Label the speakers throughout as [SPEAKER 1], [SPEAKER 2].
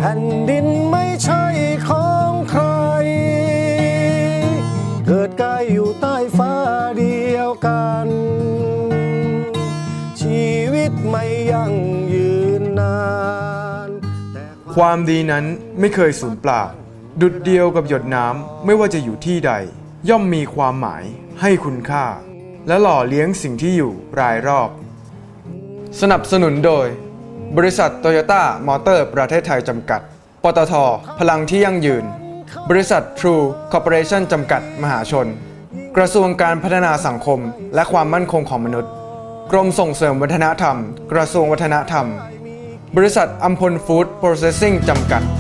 [SPEAKER 1] ผ่นดินไม่ใช่ของใครเกิดกายอยู่ใต้ฟ้าเดียวกันชีวิตไม่ยั่งยืนนาน
[SPEAKER 2] ความดีนั้นไม่เคยสูญเปล่าดุจเดียวกับหยดน้ำไม่ว่าจะอยู่ที่ใดย่อมมีความหมายให้คุณค่าและหล่อเลี้ยงสิ่งที่อยู่รายรอบสนับสนุนโดยบริษัทโตโยต้ามอเตอร์ประเทศไทยจำกัดปตท.พลังที่ยั่งยืนบริษัท True Corporation จำกัดมหาชนกระทรวงการพัฒนาสังคมและความมั่นคงของมนุษย์กรมส่งเสริมวัฒนธรรมกระทรวงวัฒนธรรมบริษัทอัมพลฟู้ดโปรเซสซิ่งจำกัด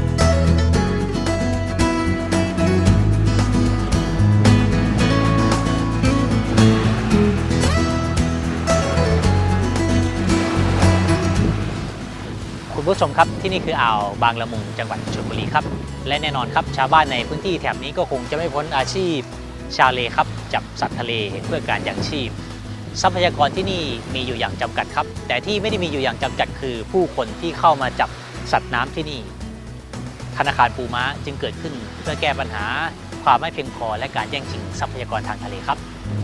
[SPEAKER 3] คุณผู้ชมครับที่นี่คืออ่าวบางละมุงจังหวัดชลบุรีครับและแน่นอนครับชาวบ้านในพื้นที่แถบนี้ก็คงจะไม่พ้นอาชีพชาวเลครับจับสัตว์ทะเลเพื่อการยังชีพทรัพยากรที่นี่มีอยู่อย่างจำกัดครับแต่ที่ไม่ได้มีอยู่อย่างจำกัดคือผู้คนที่เข้ามาจับสัตว์น้ำที่นี่ธนาคารปูม้าจึงเกิดขึ้นเพื่อแก้ปัญหาความไม่เพียงพอและการแย่งชิงทรัพยากรทางทะเลครับ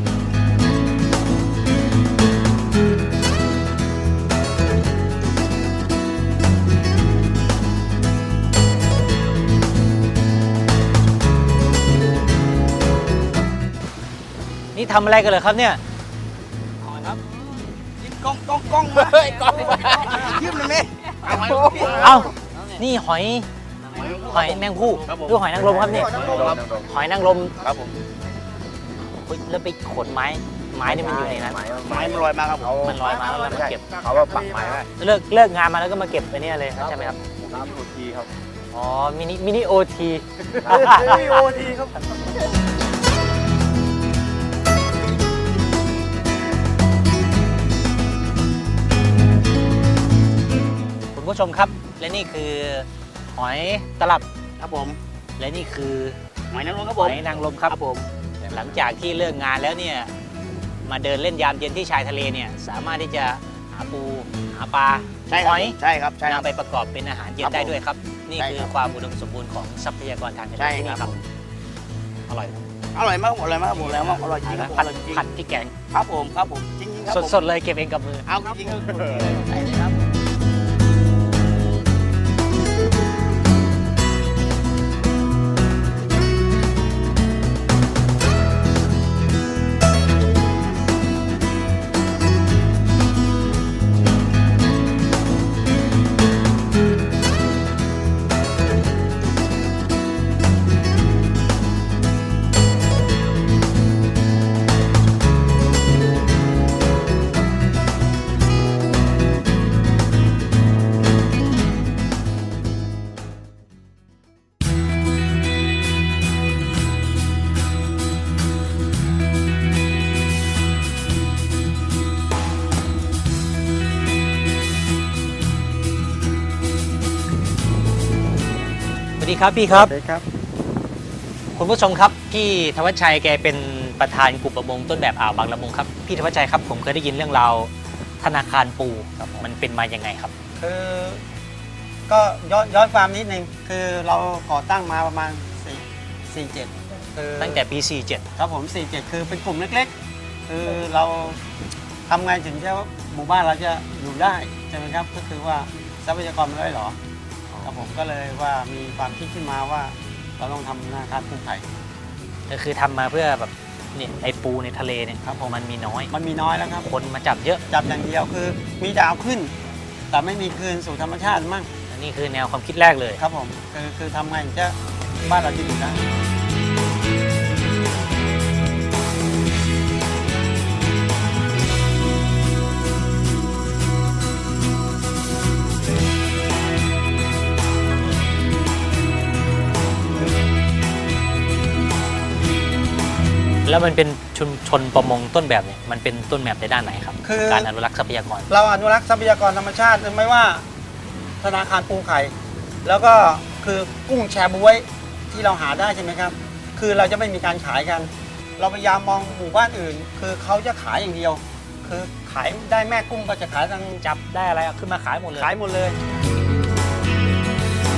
[SPEAKER 3] นี่ทำอะไรกันเลยครับเนี่ยครับยิงกล้องมาเฮ้ยกล้องยืมเลยไหมเอ้านี่หอยแมงผู้หรือหอยนางรมครับนี่หอยนางรมครับผมแล้วไปขนไม้นี่มันอยู่ในนั้นไม้มันลอยมาครับมันลอยมาแล้วมันเก็บเขาว่าปักไม้ไว้เลิกงานมาแล้วก็มาเก็บไปเนี่ยเลยใช่ไหมครับน้ำโอทีครับอ๋อมินิโอทีครับคุณผู้ชมครับและนี่คือหอยตลับครับผมและนี่คือหอยนางรมครับผมหอยนางรมครับผมหลังจากที่เลิกงานแล้วเนี่ยมาเดินเล่นยามเย็นที่ชายทะเลเนี่ยสามารถที่จะหาปูหาปลาหอยใช่ครับนำไปประกอบเป็นอาหารเย็นได้ด้วยครับนี่คือความอุดมสมบูรณ์ของทรัพยากรทางทะเลที่นี่ครับอร่อยมากอร่อยมากผมแล้วอร่อยจริงผัดพริกแกงครับผมจริงครับสดๆเลยเก็บเองกับมือเอาจริงใช่เลยครับสวัสดีครับพี่ครับสวัสดีครับคุณผู้ชมครับพี่ธวัชชัยแกเป็นประธานกลุ่มประมงต้นแบบอ่าวบางละมุงครับพี่ธวัชชัยครับผมเคยได้ยินเรื่องราวธนาคารปูมันเป็นมาอย่างไงครับ
[SPEAKER 4] คือก็ย้อนความนิดนึงคือเราก่อตั้งมาประมาณ47คือ
[SPEAKER 3] ตั้งแต่ปี47
[SPEAKER 4] ครับผม47คือเป็นกลุ่มเล็กๆคือเราทำไงถึงจะหมู่บ้านเราจะอยู่ได้ใช่ไหมครับก็คือว่าทรัพยากรมันน้อยหรอครับผมก็เลยว่ามีความคิดขึ้นมาว่าเราต้องทำธนาคารปูไข่
[SPEAKER 3] ก็คือทำมาเพื่อแบบนี่ไอปูในทะเลเนี่ยครับมันมีน้อย
[SPEAKER 4] แล้วครับ
[SPEAKER 3] คนมาจับเยอะ
[SPEAKER 4] จับอย่างเดียวคือมีดาวขึ้นแต่ไม่มีคืนสู่ธรรมชาติมั่ง
[SPEAKER 3] อันนี้คือแนวความคิดแรกเลย
[SPEAKER 4] ครับผมคือทำไงจะบ้านเราจะอยู่ได้
[SPEAKER 3] แล้วมันเป็นชุมชนประมงต้นแบบเนี่ยมันเป็นต้นแบบในด้านไหนครับคือการอนุรักษ์ทรัพยากร
[SPEAKER 4] เราอนุรักษ์ทรัพยากรธรรมชาติไม่ว่าธนาคารปูไข่แล้วก็คือกุ้งแชบ๊วยที่เราหาได้ใช่ไหมครับคือเราจะไม่มีการขายกันเราพยายามมองหมู่บ้านอื่นคือเขาจะขายอย่างเดียวคือขายได้แม่กุ้งก็จะขายทาง
[SPEAKER 3] จับได้อะไรขึ้นมาขายหมดเลย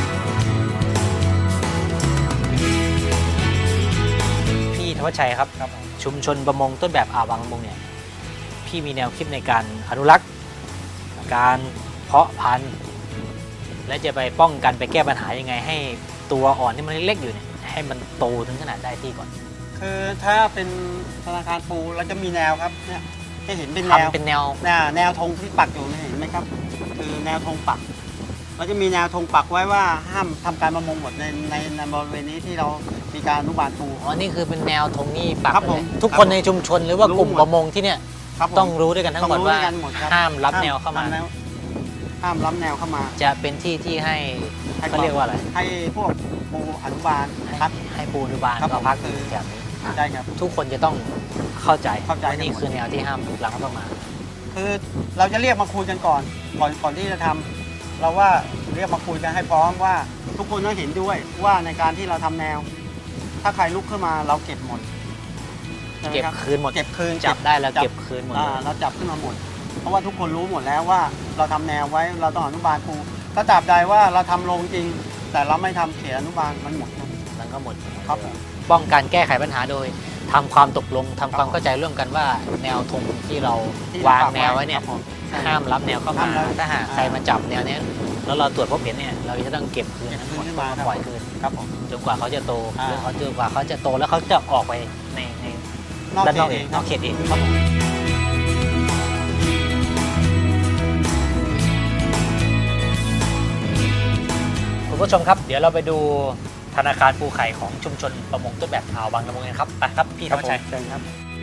[SPEAKER 3] วัชชัยครับชุมชนประมงต้นแบบอ่าวบางละมุงเนี่ยพี่มีแนวคิดในการอนุรักษ์การเพาะพันธุ์และจะไปป้องกันไปแก้ปัญหายังไงให้ตัวอ่อนที่มันเล็กๆอยู่เนี่ยให้มันโตถึงขนาดได้ที่ก่อน
[SPEAKER 4] คือถ้าเป็นธนาคารปูเราจะมีแนวครับเนี่ยให้เห็นเป็นแนว
[SPEAKER 3] ทำเป็นแนว
[SPEAKER 4] แนวธงที่ปักอยู่เนี่ยเห็นไหมครับ คือแนวธงปักเราจะมีแนวธงปักไว้ว่าห้ามทำการประมงหมดในบริเวณนี้ที่เรามีการอนุบาลปู
[SPEAKER 3] อ๋อนี่คือเป็นแนวธงนี่ปัก
[SPEAKER 4] ครับ
[SPEAKER 3] เล
[SPEAKER 4] ผ
[SPEAKER 3] ย
[SPEAKER 4] ม
[SPEAKER 3] ทุกคนในชุมชนหรือว่ากลุ่ม
[SPEAKER 4] รู้หมด
[SPEAKER 3] ประมงที่เนี่ย
[SPEAKER 4] ครับผม
[SPEAKER 3] ต้องรู้ด้วยกันทั้งหมด
[SPEAKER 4] ต้องรู้
[SPEAKER 3] ว่า
[SPEAKER 4] ด้วยกันหมดครับ
[SPEAKER 3] ห้ามรับแนวเข้ามา
[SPEAKER 4] ห้ามล้ำแนวเข้ามา
[SPEAKER 3] จะเป็นที่ที่ให้เขาเรียกว่าอะไร
[SPEAKER 4] ให้พวกปูอนุบาล
[SPEAKER 3] ให้
[SPEAKER 4] พัก
[SPEAKER 3] ให้ปูอนุบาล
[SPEAKER 4] ครับ
[SPEAKER 3] ก็พัก
[SPEAKER 4] ผมคือ
[SPEAKER 3] แบบนี้
[SPEAKER 4] ใช่ครับ
[SPEAKER 3] ทุกคนจะต้องเข้าใจ
[SPEAKER 4] เข้าใจ
[SPEAKER 3] ว่านี่คือแนวที่ห้ามล้ำเข้ามา
[SPEAKER 4] คือเราจะเรียกมาคุยกันก่อนที่จะทำเราว่าเรียกมาคุยกันให้พร้อมว่าทุกคนต้องเห็นด้วยว่าในการที่เราทำแนว ถ้าใครลุกขึ้นมาเราเก็บหมดใช่ไหม
[SPEAKER 3] เก็บ
[SPEAKER 4] รับ
[SPEAKER 3] คืนหมด
[SPEAKER 4] เก็บคืน
[SPEAKER 3] จับได้แล้ว
[SPEAKER 4] จั
[SPEAKER 3] เก็บคืนหมดเลย
[SPEAKER 4] เราจับขึ้นมาหมด เพราะว่าทุกคนรู้หมดแล้วว่าเราทำแนวไว้เราต้องอนุบาลปูถ้าตราบใดว่าเราทำลงจริง แต่เราไม่ทำเขตอนุบาลมันหมดครับ
[SPEAKER 3] มันก็หมด
[SPEAKER 4] ครับผม
[SPEAKER 3] ป้องกันแก้ไขปัญหาโดยทำความตกลงทำความเข้าใจร่วมกันว่าแนวธงที่เราวางแนวไว้เนี่ย
[SPEAKER 4] ครับผมใช่
[SPEAKER 3] ห้ามรับแนวเข้ามา
[SPEAKER 4] ห้ามรับ
[SPEAKER 3] ถ้าหากใครมาจับแนวเนี้ยแล้วเราตรวจพบเห็นเนี่ยเราจะต้องเก็บคืนทั้งหมด
[SPEAKER 4] เก็บคืนขึ้นมาครับ
[SPEAKER 3] ปล่อยคืน
[SPEAKER 4] ครับผม
[SPEAKER 3] จนกว่าเขาจะโต
[SPEAKER 4] อ่า
[SPEAKER 3] หรือเขาจนกว่าเขาจะโตแล้วเขาจะออกไปใน
[SPEAKER 4] นอก
[SPEAKER 3] ด้าน
[SPEAKER 4] เข
[SPEAKER 3] นอ
[SPEAKER 4] ต
[SPEAKER 3] ก
[SPEAKER 4] เอ
[SPEAKER 3] เอง
[SPEAKER 4] ง
[SPEAKER 3] นอกเขตเอง
[SPEAKER 4] ครับผม
[SPEAKER 3] คุณผู้ชมครับ เดี๋ยวเราไปดูธนาคารปูไข่ของชุมชนประมงต้นแบบอ่าวบางละมุงกันครับไปครับพี่ธวัชชัย
[SPEAKER 4] เชิญครับ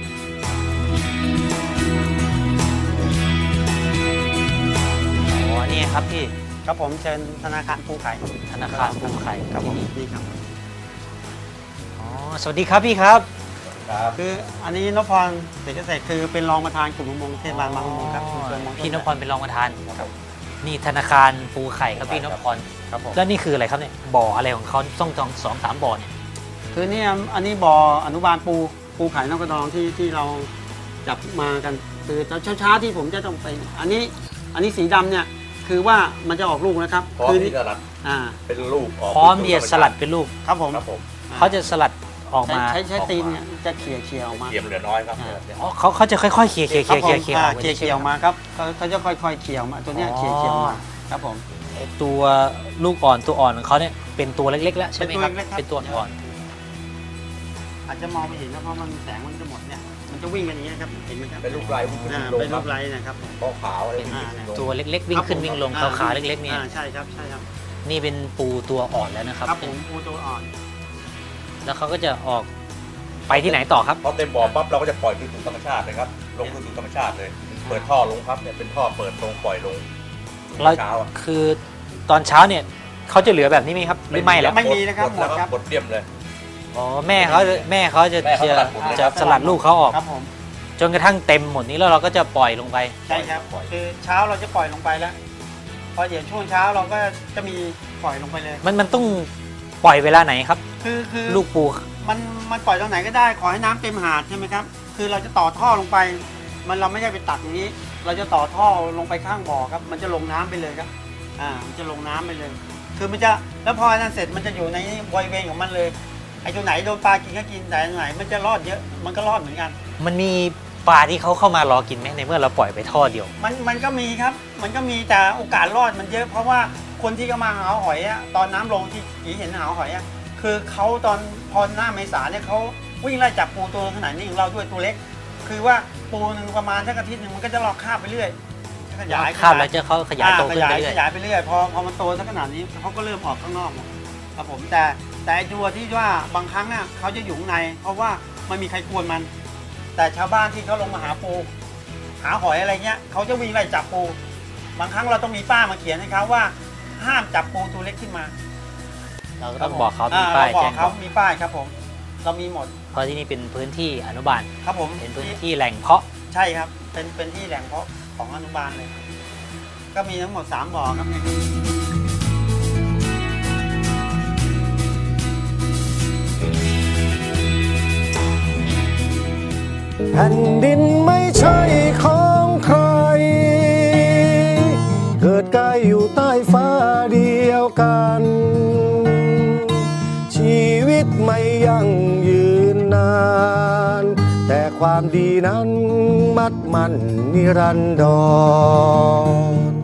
[SPEAKER 3] อ๋อนี่ครับพี่
[SPEAKER 4] ครับผมเชิญธนาคารปูไข่
[SPEAKER 3] ธนาคารปูไข่
[SPEAKER 4] ครับผม
[SPEAKER 3] ที่นี่
[SPEAKER 4] นี่ครับ
[SPEAKER 3] อ๋อสวัสดีครับพี่ครับ
[SPEAKER 4] คืออันนี้นพพรเศรษฐเกษตรคือเป็นรองประธานกลุ่มประมงเทศบาลบางละมุงครับชุมชนประมง
[SPEAKER 3] พี่นพพรเป็นรองประธานนี่ธนาคารปูไข่ครับพี่นพพร
[SPEAKER 4] ครับผม
[SPEAKER 3] แล้วนี่คืออะไรครับเนี่ยบ่ออะไรของเขาต้องสองสามบ่อเนี่ย
[SPEAKER 4] คือนี่อันนี้บ่ออนุบาลปูไข่นกกระดองที่เราจับมากันคือเช้าที่ผมจะต้องไปอันนี้สีดำเนี่ยคือว่ามันจะออกลูกนะครับ
[SPEAKER 5] พร้อม
[SPEAKER 4] คื
[SPEAKER 5] ที่จะรัด
[SPEAKER 4] อ่า
[SPEAKER 5] เป็นลูกออก
[SPEAKER 3] พร้อมที่จะสลัดเป็นลูก
[SPEAKER 4] ครับผม
[SPEAKER 5] ครับผม
[SPEAKER 3] เขาจะสลัดออกมา
[SPEAKER 4] ใช้ตีนเนี่ยจะเขี่ยออกมา
[SPEAKER 5] เทียมเหลือน้อยครับ
[SPEAKER 3] อ๋อเขาจะค่อยๆเขี่ย
[SPEAKER 4] ครับผม
[SPEAKER 3] เขี่ย
[SPEAKER 4] อ่าเขี่ยออกมาครับเขาจะค่อยๆเขี่ยออกมาตัวเนี้ยเขี่ยออกมาครับผม
[SPEAKER 3] ตัวลูกอ่อนตัวอ่อนของเขาเนี่ยเป็นตัวเล็กๆแล้วใช่ไหมครับ
[SPEAKER 4] เป็นตัวเล็กๆครับ
[SPEAKER 3] เป็นตัวอ่อน
[SPEAKER 4] อาจจะมองไม่เห็นนะเพราะมันแสงมันจะหมดเนี่ยมันจะวิ่งกันอย่างเงี้ยครับเห็นไหมครับ
[SPEAKER 5] เป็นลูกไร้วิ่งขึ้น
[SPEAKER 4] อ่า
[SPEAKER 5] วิ่งลง
[SPEAKER 4] เป็น
[SPEAKER 5] ค
[SPEAKER 4] รู
[SPEAKER 5] รับ
[SPEAKER 4] ปไร้นะครับ
[SPEAKER 5] ป้อขาวอะไรวิ่ง
[SPEAKER 4] อ่า
[SPEAKER 5] ขึ้นวิ่งลง
[SPEAKER 3] ตัวเล็กๆ วิ่งขึ้นวิ่งลงขาวๆเล็กๆเนี่ย
[SPEAKER 4] ใช่ครับใช่ครับ
[SPEAKER 3] นี่เป็นปูตัวอ่อนแล้วนะครับ
[SPEAKER 4] ครับผมปูตัวอ่อน
[SPEAKER 3] แล้วเขาก็จะออกไปที่ไหนต่อครับ
[SPEAKER 5] พอเต็มบ่อปั๊บเราก็จะปล่อยคืนสู่ธรรมชาติเลยครับลงคืนสู่ธรรมชาติเลย เปิดท่อลงครับเนี่ยเป็นท่อเปิดลงปล่อยลง
[SPEAKER 3] เรา
[SPEAKER 5] เช้าอะ
[SPEAKER 3] คือตอนเช้าเนี่ยเขาจะเหลือแบบนี้ไหมครับหรือไม่แล้ว
[SPEAKER 4] ไม่มีนะครับ
[SPEAKER 5] หมดแล้ว
[SPEAKER 4] หมดครับ
[SPEAKER 5] หมดเรียมเลย
[SPEAKER 3] อ๋อแม่เขาจะ
[SPEAKER 5] แม่เขาสลัดหมดเลย
[SPEAKER 3] จะสลัดลูกเขาออก
[SPEAKER 4] ครับผม
[SPEAKER 3] จนกระทั่งเต็มหมดนี้แล้วเราก็จะปล่อยลงไป
[SPEAKER 4] ใช่ครับคือเช้าเราจะปล่อยลงไปแล้วพอเดี๋ยวช่วงเช้าเราก็จะมีปล่อยลงไปเลย
[SPEAKER 3] มันต้องปล่อยเวลาไหนครับ
[SPEAKER 4] คือ
[SPEAKER 3] ลูกปู
[SPEAKER 4] มันปล่อยตรงไหนก็ได้ขอให้น้ำเต็มหาดใช่ไหมครับคือเราจะต่อท่อลงไปเราไม่ใช่ไปตักอย่างนี้ เราจะต่อท่อลงไปข้างบ่อครับมันจะลงน้ำไปเลยครับมันจะลงน้ำไปเลย คือมันจะแล้วพอนั้นเสร็จมันจะอยู่ในบริเวณของมันเลยไอ้ตัวไหนโดนปลากินก็กินแต่ตัวไหนมันจะรอดเยอะมันก็รอดเหมือนกัน
[SPEAKER 3] มันมีปลาที่เขาเข้ามารอกินไหมในเมื่อเราปล่อยไปท่อเดียว
[SPEAKER 4] มันก็มีครับมันก็มีแต่โอกาสรอดมันเยอะ เพราะว่าคนที่เขามาหาหอยอะตอนน้ำลงที่ผีเห็นหาหอยอะคือเขาตอนพอหน้าเมษาเนี่ยเขาวิ่งไล่จับปูตัวขนาดนี้ของเราด้วยตัวเล็ก คือว่าปูหนึ่งประมาณสักอาทิตย์หนึ่งมันก็จะลอกคาบไปเรื่อยขยาย
[SPEAKER 3] คาบแล้วจะเขาขยายโตขึ้นไปเรื่อย
[SPEAKER 4] ขยายไปเรื่อยพอมันโตสักขนาดนี้เขาก็เริ่มออกข้างนอกหมดครับผมแต่ไอ้ตัวที่ว่าบางครั้งอ่ะเขาจะอยู่ข้างใน เพราะว่าไม่มีใครกวนมัน แต่ชาวบ้านที่เขาลงมาหาปูหาหอยอะไรเงี้ยเขาจะวิ่งไล่จับปูบางครั้งเราต้องมีป้ายมาเขียนให้เขาว่าห้ามจับปูตัวเล็กขึ้นมา
[SPEAKER 3] เราก็ต้องบอกเขามีป้าย
[SPEAKER 4] เราบอ
[SPEAKER 3] แจ้
[SPEAKER 4] ก
[SPEAKER 3] ง
[SPEAKER 4] เขามีป้ายครับผม เรามีหมด
[SPEAKER 3] เพราะที่นี่เป็นพื้นที่อนุบาล
[SPEAKER 4] ครับผม
[SPEAKER 3] เป็นพื้นที่แหล่งเพาะ
[SPEAKER 4] ใช่ครับเป็นที่แหล่งเพาะของอนุบาลเลย ก็มีทั้งหมด3บ่อครับเนี่ย
[SPEAKER 1] แผ่นดินไม่ใช่ของใคร เกิดกายอยู่ใต้ฟ้าเดียวกัน ชีวิตไม่ยั่งยืนนานความดีนั้นมัดมันนิรันดร